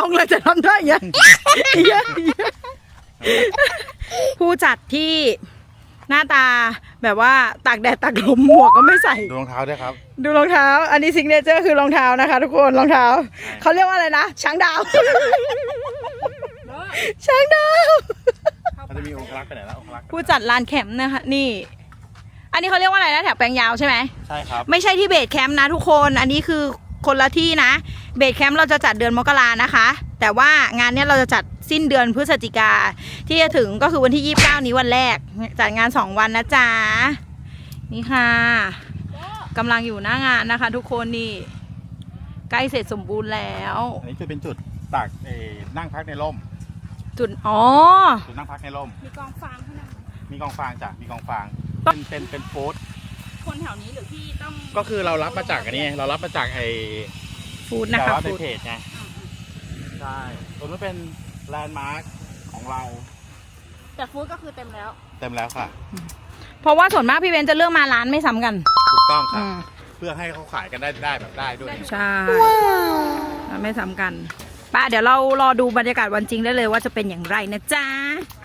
ลงเลยจะทำได้ยังผู้จัดที่หน้าตาแบบว่าตากแดดตากลมหมวกก็ไม่ใส่ดูรองเท้าด้วยครับดูรองเท้าอันนี้ซิกเนเจอร์คือรองเท้านะคะทุกคนรองเท้าเขาเรียกว่าอะไรนะช้างดาวช้างดาวมันจะมีองครักษ์ไปไหนแล้วองครักษ์ผู้จัดลานแคมป์นะคะนี่ อันนี้เขาเรียกว่าอะไรนะแถวแปลงยาวใช่ไหมใช่ครับไม่ใช่ที่เบสแคมป์นะทุกคน อันนี้คือคนละที่นะ เบสแคมป์เราจะจัดเดือนมกรานะคะ แต่ว่างานเนี้ยเราจะจัดสิ้นเดือนพฤศจิกาที่จะถึงก็คือวันที่29นี้วันแรกจัดงาน2วันนะจ๊ะนี่ค่ะกำลังอยู่หน้างานนะคะ ทุกคนนี่ใกล้เสร็จสมบูรณ์แล้วอันนี้จะเป็นจุดตากนั่งพักในร่มจุดอ๋อจุดนั่งพักในร่มมีกองฟางข้างหน้ามีกองฟางจ้ะมีกองฟางต้องเป็นฟู้ดคนแถวนี้หรือพี่ต้องก็คือเรารับมาจากอันนี้เรารับมาจากฟู้ดแต่นะคะว่าในฟู้ดเพจไงใช่ตรงนี้เป็นแลนด์มาร์คของเราแต่ฟู้ดก็คือเต็มแล้วเต็มแล้วค่ะเพราะว่าส่วนมากพี่เบนจะเลือกมาร้านไม่ซ้ำกันถูกต้องค่ะเพื่อให้เขาขายกันได้แบบได้ด้วยใช่ร้านไม่ซ้ำกันป้าเดี๋ยวเรารอดูบรรยากาศวันจริงได้เลยว่าจะเป็นอย่างไรนะจ๊ะ